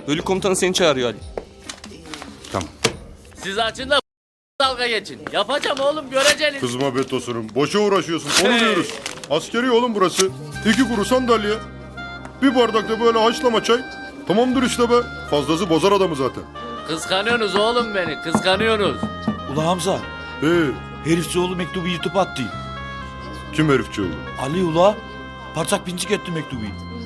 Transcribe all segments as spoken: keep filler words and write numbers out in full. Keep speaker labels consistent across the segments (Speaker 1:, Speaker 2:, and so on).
Speaker 1: Bölük komutanı seni çağırıyor Ali.
Speaker 2: Tamam.
Speaker 3: Siz açın da dalga geçin. Yapacağım oğlum, göreceksiniz.
Speaker 4: Kızma be Tosun'um. Boşa uğraşıyorsun. Konuluyoruz. Askeri oğlum burası. İki kuru sandalye. Bir bardak da böyle haşlama çay. Tamamdır işte be. Fazlası bozar adamı zaten.
Speaker 3: Kıskanıyorsunuz oğlum beni, kıskanıyorsunuz.
Speaker 5: Ula Hamza,
Speaker 4: Ee,
Speaker 5: herifçi oğlu mektubu yırtıp attı.
Speaker 4: kim herifçi oldu?
Speaker 5: Ali ula, parçak pincik etti mektubu.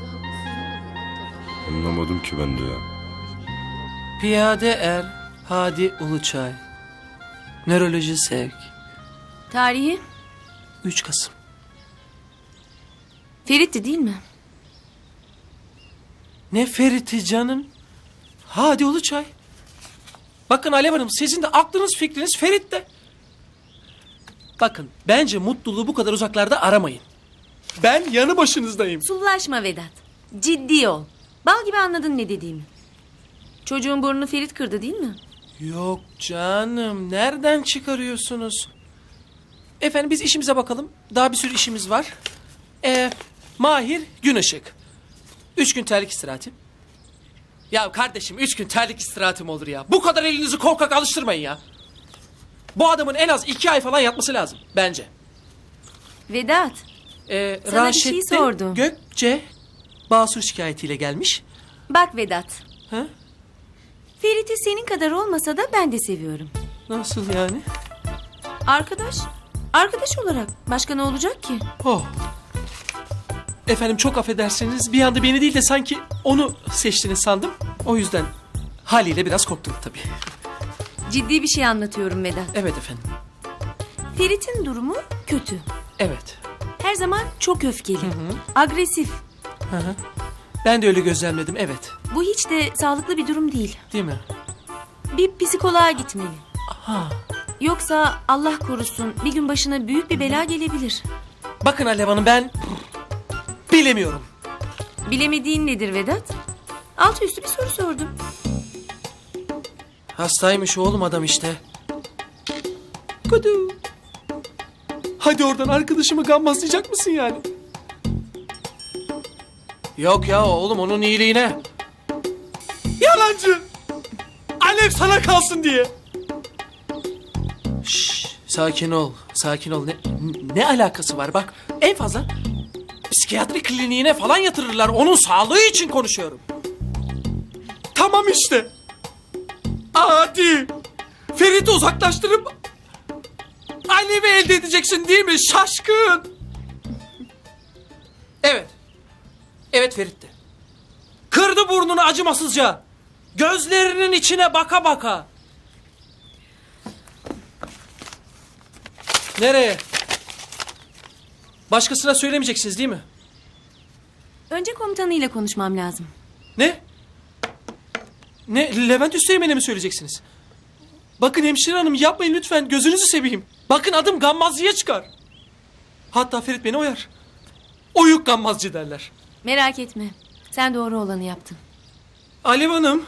Speaker 4: Anlamadım ki ben de ya.
Speaker 6: Piyade er, Hadi Uluçay. Nöroloji sevk.
Speaker 7: Tarihi
Speaker 6: üç Kasım.
Speaker 7: Ferit'ti değil mi?
Speaker 6: Ne Ferit'i canım? Hadi Uluçay. Bakın Alev Hanım, sizin de aklınız fikriniz Ferit'te. Bakın, bence mutluluğu bu kadar uzaklarda aramayın. Ben yanı başınızdayım.
Speaker 7: Sullaşma Vedat. Ciddi ol. Bal gibi anladın ne dediğimi. Çocuğun burnunu Ferit kırdı değil mi?
Speaker 6: Yok canım, nereden çıkarıyorsunuz? Efendim biz işimize bakalım. Daha bir sürü işimiz var. Ee, Mahir Güneşık. Üç gün terlik istirahati. Ya kardeşim, üç gün terlik istirahatim olur ya. Bu kadar elinizi korkak alıştırmayın ya. Bu adamın en az iki ay falan yatması lazım bence.
Speaker 7: Vedat.
Speaker 6: Ee,
Speaker 7: Sana bir şey
Speaker 6: Raşettin
Speaker 7: sordum.
Speaker 6: Gökçe basur şikayetiyle gelmiş.
Speaker 7: Bak Vedat.
Speaker 6: Ha?
Speaker 7: Ferit'i senin kadar olmasa da ben de seviyorum.
Speaker 6: Nasıl yani?
Speaker 7: Arkadaş. Arkadaş olarak. Başka ne olacak ki?
Speaker 6: Oh. Efendim çok affedersiniz. Bir anda beni değil de sanki onu seçtiniz sandım. O yüzden haliyle biraz korktum tabii.
Speaker 7: Ciddi bir şey anlatıyorum Vedat.
Speaker 6: Evet efendim.
Speaker 7: Ferit'in durumu kötü.
Speaker 6: Evet.
Speaker 7: Her zaman çok öfkeli. Agresif.
Speaker 6: Hı hı. Ben de öyle gözlemledim, evet.
Speaker 7: Bu hiç de sağlıklı bir durum değil.
Speaker 6: Değil mi?
Speaker 7: Bir psikoloğa gitmeli.
Speaker 6: Ha.
Speaker 7: Yoksa Allah korusun bir gün başına büyük bir bela gelebilir.
Speaker 6: Bakın Alev Hanım, ben bilemiyorum.
Speaker 7: Bilemediğin nedir Vedat? Altı üstü bir soru sordum.
Speaker 6: Hastaymış oğlum adam işte. Kudu. Hadi oradan arkadaşımı gammazlayacak mısın yani? Yok ya oğlum, onun iyiliğine. Yalancı. Alev sana kalsın diye. Şşş, sakin ol, sakin ol. Ne, ne alakası var bak, en fazla psikiyatri kliniğine falan yatırırlar. Onun sağlığı için konuşuyorum. Tamam işte. Hadi. Ferit'i uzaklaştırıp Alev'i elde edeceksin değil mi şaşkın? Evet. Evet Ferit'ti. Kırdı burnunu acımasızca. Gözlerinin içine baka baka. Nereye? Başkasına söylemeyeceksiniz değil mi?
Speaker 7: Önce komutanıyla konuşmam lazım.
Speaker 6: Ne? Ne? Levent Üsteğmen'e mi söyleyeceksiniz? Bakın hemşire hanım, yapmayın lütfen, gözünüzü seveyim. Bakın adım gammazcıya çıkar. Hatta Ferit beni oyar. Oyuk gammazcı derler.
Speaker 7: Merak etme. Sen doğru olanı yaptın.
Speaker 6: Alev Hanım.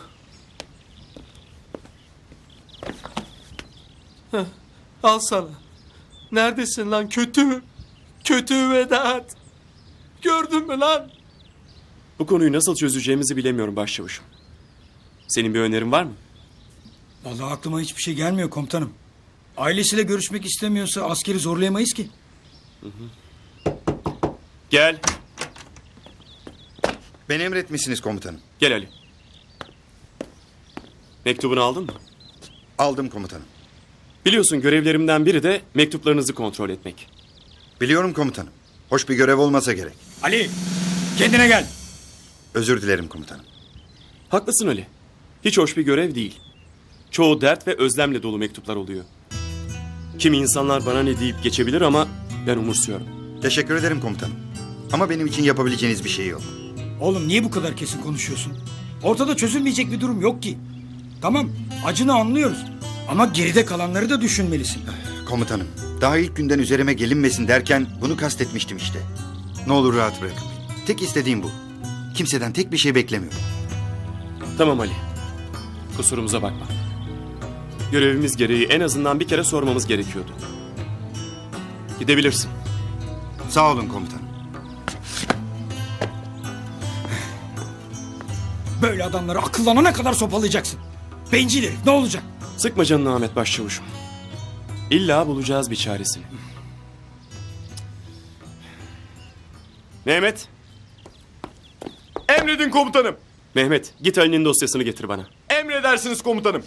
Speaker 6: Heh, al sana. Neredesin lan kötü? Kötü Vedat. Gördün mü lan?
Speaker 8: Bu konuyu nasıl çözeceğimizi bilemiyorum başçavuşum. Senin bir önerin var mı?
Speaker 9: Vallahi aklıma hiçbir şey gelmiyor komutanım. Ailesiyle görüşmek istemiyorsa askeri zorlayamayız ki.
Speaker 8: Hı hı. Gel.
Speaker 2: Beni emretmişsiniz komutanım.
Speaker 8: Gel Ali. Mektubunu aldın mı?
Speaker 2: Aldım komutanım.
Speaker 8: Biliyorsun görevlerimden biri de mektuplarınızı kontrol etmek.
Speaker 2: Biliyorum komutanım. Hoş bir görev olmasa gerek.
Speaker 9: Ali, kendine gel.
Speaker 2: Özür dilerim komutanım.
Speaker 8: Haklısın Ali. Hiç hoş bir görev değil. Çoğu dert ve özlemle dolu mektuplar oluyor. Kimi insanlar bana ne deyip geçebilir ama ben umursuyorum.
Speaker 2: Teşekkür ederim komutanım. Ama benim için yapabileceğiniz bir şey yok.
Speaker 9: Oğlum niye bu kadar kesin konuşuyorsun? Ortada çözülmeyecek bir durum yok ki. Tamam, acını anlıyoruz. Ama geride kalanları da düşünmelisin.
Speaker 2: Komutanım, daha ilk günden üzerime gelinmesin derken bunu kastetmiştim işte. Ne olur rahat bırakın beni. Tek istediğim bu. Kimseden tek bir şey beklemiyorum.
Speaker 8: Tamam Ali. Kusurumuza bakma. Görevimiz gereği en azından bir kere sormamız gerekiyordu. Gidebilirsin.
Speaker 2: Sağ olun komutanım.
Speaker 9: Böyle adamları akıllanana kadar sopalayacaksın. Bencil herif, ne olacak?
Speaker 8: Sıkma canını Ahmet Başçavuş'um. İlla bulacağız bir çaresini. Mehmet.
Speaker 4: Emredin komutanım.
Speaker 8: Mehmet git Ali'nin dosyasını getir bana.
Speaker 4: Emredersiniz komutanım.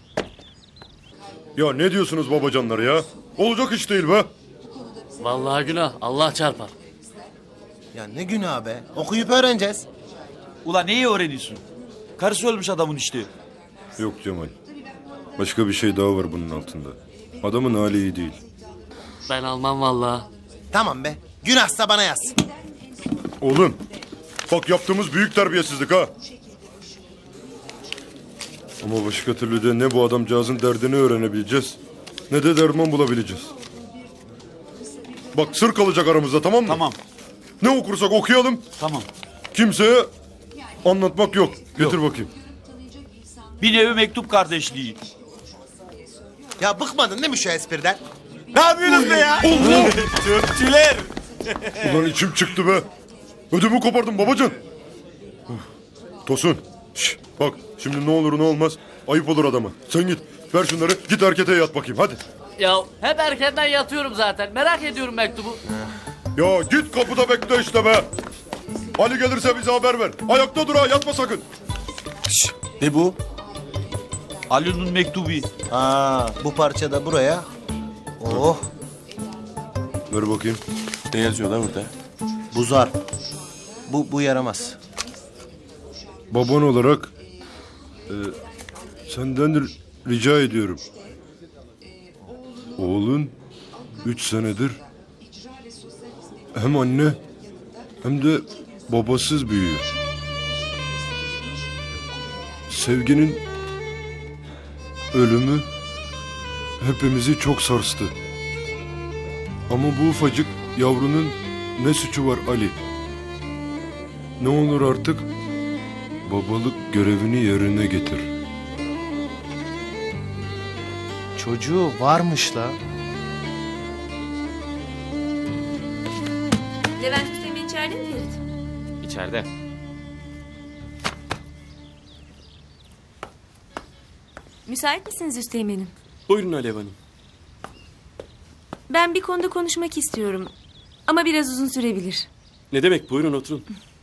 Speaker 4: Ya ne diyorsunuz babacanlar ya? Olacak iş değil be.
Speaker 3: Vallahi günah. Allah çarpar.
Speaker 1: Ya ne günah be. Okuyup öğreneceğiz.
Speaker 5: Ula neyi öğreniyorsun? Karısı ölmüş adamın işte.
Speaker 4: Yok Cemal. Başka bir şey daha var bunun altında. Adamın hali iyi değil.
Speaker 3: Ben almam vallahi.
Speaker 1: Tamam be. Günahsa bana yaz.
Speaker 4: Oğlum. Bak yaptığımız büyük terbiyesizlik ha. Ama başka türlü de ne bu adamcağızın derdini öğrenebileceğiz, ne de derman bulabileceğiz. Bak sır kalacak aramızda, tamam mı?
Speaker 5: Tamam.
Speaker 4: Ne okursak okuyalım.
Speaker 5: Tamam.
Speaker 4: Kimseye anlatmak yok. Getir bakayım.
Speaker 5: Bir nevi mektup kardeşliği.
Speaker 1: Ya bıkmadın değil mi şu espriden?
Speaker 5: Ne yapıyorsunuz be ya?
Speaker 4: Allah!
Speaker 5: Türkçüler.
Speaker 4: Ulan içim çıktı be. Ödümü kopardım babacan. Uf. Tosun. Şş, bak şimdi ne olur ne olmaz. Ayıp olur adama. Sen git. Ver şunları. Git erkete yat bakayım hadi.
Speaker 3: Ya hep erkenden yatıyorum zaten. Merak ediyorum mektubu.
Speaker 4: Ya git kapıda bekle işte be. Ali gelirse bize haber ver. Ayakta dur ha, yatma sakın.
Speaker 5: Ne bu? Ali'nin mektubu.
Speaker 1: Aa, bu parça da buraya. Oh,
Speaker 4: Ver bakayım.
Speaker 8: Ne yazıyor lan burada?
Speaker 1: bu zar. Bu, bu yaramaz.
Speaker 4: Baban olarak e, senden r- rica ediyorum. Oğlun üç senedir hem anne hem de babasız büyüyor. Sevginin ölümü hepimizi çok sarstı. Ama bu ufacık yavrunun ne suçu var Ali? Ne olur artık babalık görevini yerine getir.
Speaker 1: Çocuğu varmış la.
Speaker 7: Levent Hüseyin içeride mi Ferit?
Speaker 3: İçeride.
Speaker 7: Müsait misiniz Üsteğmen'im?
Speaker 8: Buyurun Alev Hanım.
Speaker 7: Ben bir konuda konuşmak istiyorum. Ama biraz uzun sürebilir.
Speaker 8: Ne demek, buyurun oturun.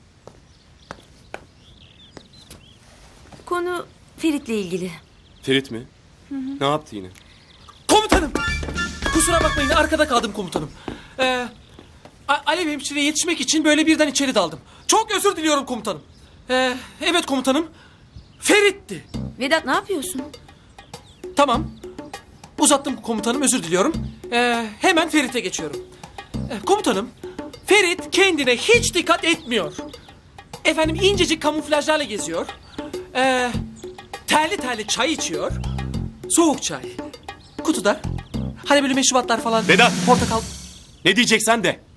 Speaker 7: Konu Ferit'le ilgili.
Speaker 8: Ferit mi? Ne yaptı yine?
Speaker 6: Komutanım. Kusura bakmayın arkada kaldım komutanım. Ee, A- Alev hemşireye yetişmek için böyle birden içeri daldım. Çok özür diliyorum komutanım. Ee, evet komutanım. Ferit'ti.
Speaker 7: Vedat ne yapıyorsun?
Speaker 6: Tamam. Uzattım komutanım, özür diliyorum. Ee, hemen Ferit'e geçiyorum. Ee, komutanım, Ferit kendine hiç dikkat etmiyor. Efendim incecik kamuflajlarla geziyor. Ee, terli terli çay içiyor. Soğuk çay. Kutuda. Hani böyle meşrubatlar falan.
Speaker 8: Vedat!
Speaker 6: Portakal.
Speaker 8: Ne diyeceksen de.